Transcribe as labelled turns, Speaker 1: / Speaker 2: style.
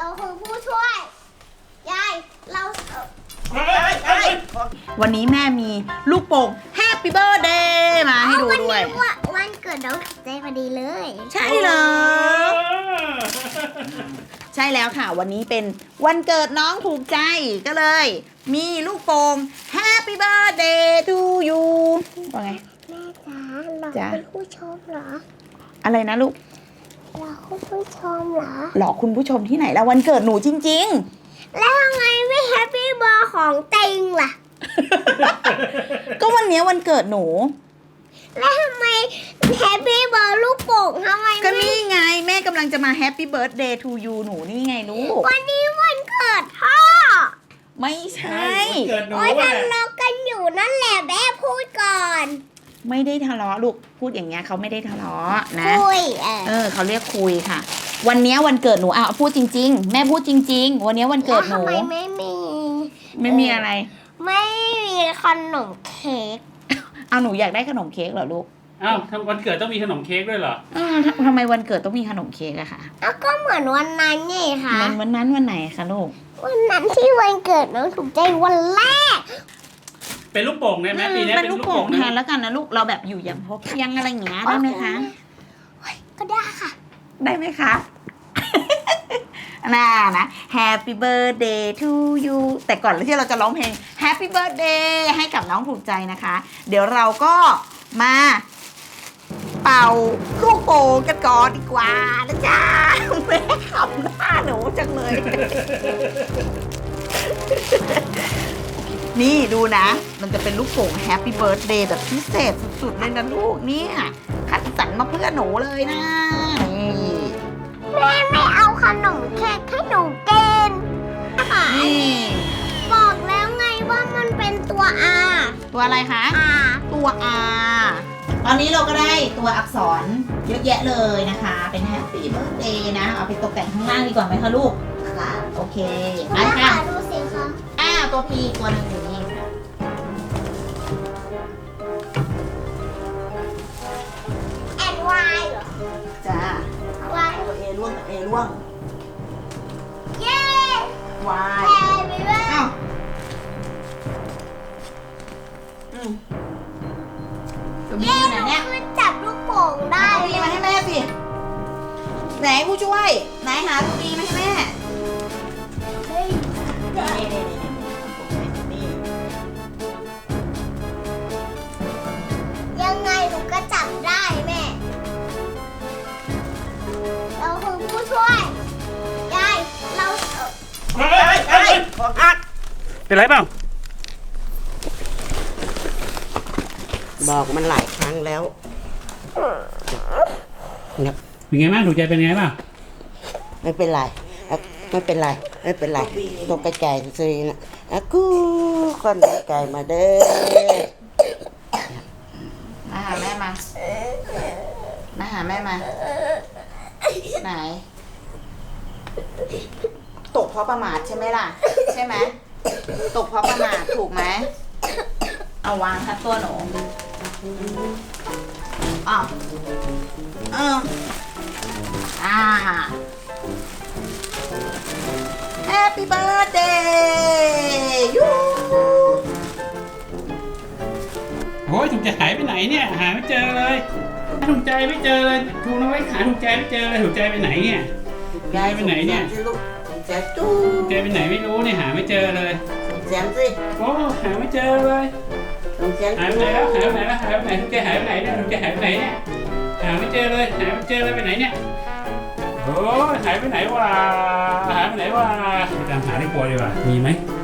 Speaker 1: คือผู้ช่วยยายเรา
Speaker 2: วันนี้แม่มีลูกโป่ง Happy Birthday มาให้ดูด้วย
Speaker 1: วันเกิดน้องถูกใจพอดีเลย
Speaker 2: ใช่เหรอใช่แล้วค่ะวันนี้เป็นวันเกิดน้องถูกใจก็เลย มีลูกโป่ง Happy Birthday to you ว่าไง
Speaker 1: แม่จ๋าหลอกคุณผู้ชมเหรอ
Speaker 2: อะไรนะลูก
Speaker 1: หลอกคุณผู้ชมเหรอ
Speaker 2: หลอกคุณผู้ชมที่ไหนแล้ววันเกิดหนูจริง
Speaker 1: ๆแล้วทำไมไม่แฮปปี้เบอร์ของเต็งล่ะ
Speaker 2: ก็วันนี้วันเกิดหนู
Speaker 1: แล้วทำไมแฮปปี้เบอร์ลูกโป่งทำไม
Speaker 2: ก็นี่ไงแม่กำลังจะมา Happy Birthday to you หนูนี่ไงลูก
Speaker 1: วันนี้วันเกิดพ่อ
Speaker 2: ไม่ใช่
Speaker 1: โอ๊ยทะเลาะกันอยู่นั่นแหละแม่พูดก่อน
Speaker 2: ไม่ได้ทะเลาะลูกพูดอย่างเงี้ยเขาไม่ได้ทะเลาะนะ
Speaker 1: คุย
Speaker 2: เขาเรียกคุยค่ะวันนี้วันเกิดหนูพูดจริงๆแม่พูดจริงๆวันนี้วันเกิดหนู
Speaker 1: ทำไมไม่
Speaker 2: มีอะไร
Speaker 1: ไม่มีขนมเค้ก
Speaker 2: เอาหนูอยากได้ขนมเค้กเหรอลูก
Speaker 3: วันเกิดต้องมีขนมเค้กด้วยเหรอ
Speaker 2: ทำไมวันเกิดต้องมีขนมเค้กอะคะ
Speaker 1: ก็เหมือนวันนั้นไงคะ
Speaker 2: วันนั้นวันไหนคะลูก
Speaker 1: วันนั้นที่วันเกิดน้องถูกใจวันแรก
Speaker 3: เป็นลูกโป่งได้ไหมปีนี้
Speaker 2: เป็นลูกโป่งแทนแล้วกันนะลูกเราแบบอยู่อย่างพอเพียงอะไรอย่างเงี้ยได้ไหมคะ
Speaker 1: ก็ได้ค่ะ
Speaker 2: ได้ไหมคะน่านะ Happy Birthday to you แต่ก่อนที่เราจะร้องเพลง Happy Birthday ให้กับน้องถูกใจนะคะเดี๋ยวเราก็มาเป่าลูกโป่งกันก่อนดีกว่านะจ๊ะแม่ขำหน้าหนูจังเลยนี่ดูนะมันจะเป็นลูกโป่ง Happy Birthday แบบพิเศษสุดๆเลยนะลูกเนี่ยคัดสรรมาเพื่อหนูเลยนะ
Speaker 1: แม่ไม่เอาขนมเค้กให้หนูกิน
Speaker 2: นี่
Speaker 1: บอกแล้วไงว่ามันเป็นตัว R
Speaker 2: ตัวอะไรคะ
Speaker 1: R
Speaker 2: ตัว R ตอนนี้เราก็ได้ตัวอักษรเยอะแยะเลยนะคะเป็น Happy Birthday นะเอาไปตกแต่งข้างล่างดีกว่าไหมคะลูก
Speaker 1: ค่ะ
Speaker 2: โอเค
Speaker 1: ไปค่ะดูสิคะ
Speaker 2: ตัว P ตัวนึงอยู่นี่ค่ะ
Speaker 1: and Y เหรอ
Speaker 2: จ้า
Speaker 1: Y
Speaker 2: ตัว A ร่วงตัว A ร่วง
Speaker 1: เย้
Speaker 2: Y อ้าวตัว B อยู่ไหนเนี่ย
Speaker 1: มันจับลูกโป่งได้
Speaker 2: ตัว B มาให้แม่สิไหนผู้ช่วยไหนหาตัว B มาให้แม่
Speaker 1: ยังไงหนูก็จับได้แม่เราคือผู้ช่วยยายเรา
Speaker 3: เป็นไรเปล่า
Speaker 4: บอกมันหลายครั้งแล้ว
Speaker 3: เป็นไงบ้างถูกใจเป็นไงบ้าง
Speaker 4: ไม่เป็นไรไม่เป็นไรไม่เป็นไรตกใจสินะกูคนไก่มาเด้อ
Speaker 2: มาหาแม่มาไหนตกเพราะประมาทใช่ไหมล่ะใช่ไหมตกเพราะประมาทถูกไหมเอาวางทัดตัวหนูHappy Birthday ยู
Speaker 3: โอ้ยถูกใจหายไปไหนเนี่ยหาไม่เจอเลยถูกใจไม่เจอเลยถูกน้อยหาถูกใจไม่เจอเลยถูกใจไปไหนเนี่ยใจไปไหนเนี่ย
Speaker 4: แจมจู้
Speaker 3: ใจไปไหนไม่รู้เนี่ยหาไม่เจอเลย
Speaker 4: แจมสิ
Speaker 3: โอ้หาไม่เจอเลยหายไปไหนแล้วหายไปไหนแล้วหายไปไหนถูกใจหายไปไหนเนี่ยถูกใจหายไปไหนเนี่ยหาไม่เจอเลยหาไม่เจอเลยไปไหนเนี่ยโอ้หายไปไหนวะหายไปไหนวะไปตามหาที่ครัวดีกว่ามีไหม